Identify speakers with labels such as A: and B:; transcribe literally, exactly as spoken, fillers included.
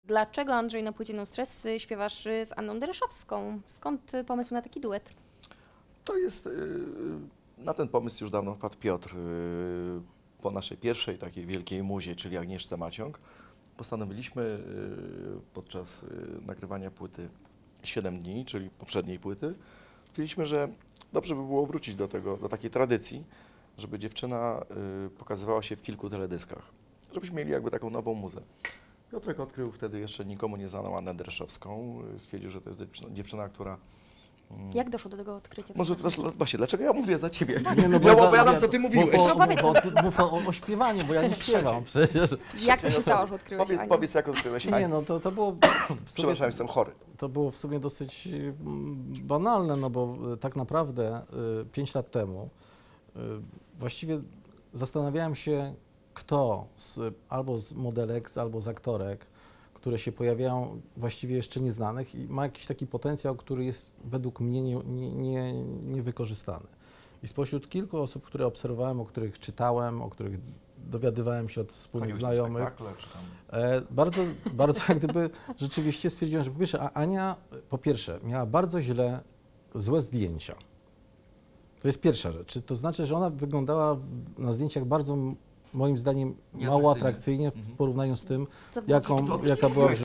A: Dlaczego, Andrzej, na płycie No Stress y, śpiewasz y, z Anną Dereszowską? Skąd y, pomysł na taki duet?
B: To jest, yy, na ten pomysł już dawno wpadł Piotr. Yy, po naszej pierwszej takiej wielkiej muzie, czyli Agnieszce Maciąg, postanowiliśmy yy, podczas yy, nagrywania płyty siedem dni, czyli poprzedniej płyty, stwierdziliśmy, że dobrze by było wrócić do tego, do takiej tradycji, żeby dziewczyna yy, pokazywała się w kilku teledyskach, żebyśmy mieli jakby taką nową muzę. Piotrek odkrył wtedy jeszcze nikomu nieznaną Annę Dereszowską. Stwierdził, że to jest dziewczyna, dziewczyna która... mm,
A: Jak doszło do tego odkrycia?
B: Może
A: przepraszam?
B: właśnie, dlaczego ja mówię za ciebie?
C: Nie, no bo
B: Ja
C: to-
B: opowiadam,
C: nie,
B: co ty
C: mów
B: mówiłeś.
C: o-
A: No powiedz.
C: Mów o, mów o, o śpiewaniu, bo ja nie śpiewam przecież.
A: Jak to się stało, że odkryłeś
B: Powiedz,
A: Anię?
B: powiedz jak odkryłeś
C: Nie,
B: Anię.
C: no to, to było w sumie,
B: Przepraszam, jestem chory.
C: to było w sumie dosyć mm, banalne, no bo y, tak naprawdę y, pięć lat temu y, właściwie zastanawiałem się, kto z, albo z modelek, albo z aktorek, które się pojawiają właściwie jeszcze nieznanych i ma jakiś taki potencjał, który jest według mnie nie, nie, nie, niewykorzystany. I spośród kilku osób, które obserwowałem, o których czytałem, o których dowiadywałem się od wspólnych
B: Chodziłeś na
C: znajomych,
B: spektakle, czy tam...
C: E, bardzo, bardzo jak gdyby rzeczywiście stwierdziłem, że po pierwsze, a Ania po pierwsze miała bardzo źle, złe zdjęcia. To jest pierwsza rzecz. To znaczy, że ona wyglądała w- na zdjęciach bardzo, m- moim zdaniem, mało atrakcyjnie w
B: Mhm.
C: porównaniu z tym,
A: To było
C: jaką,
B: To-
C: jaka była w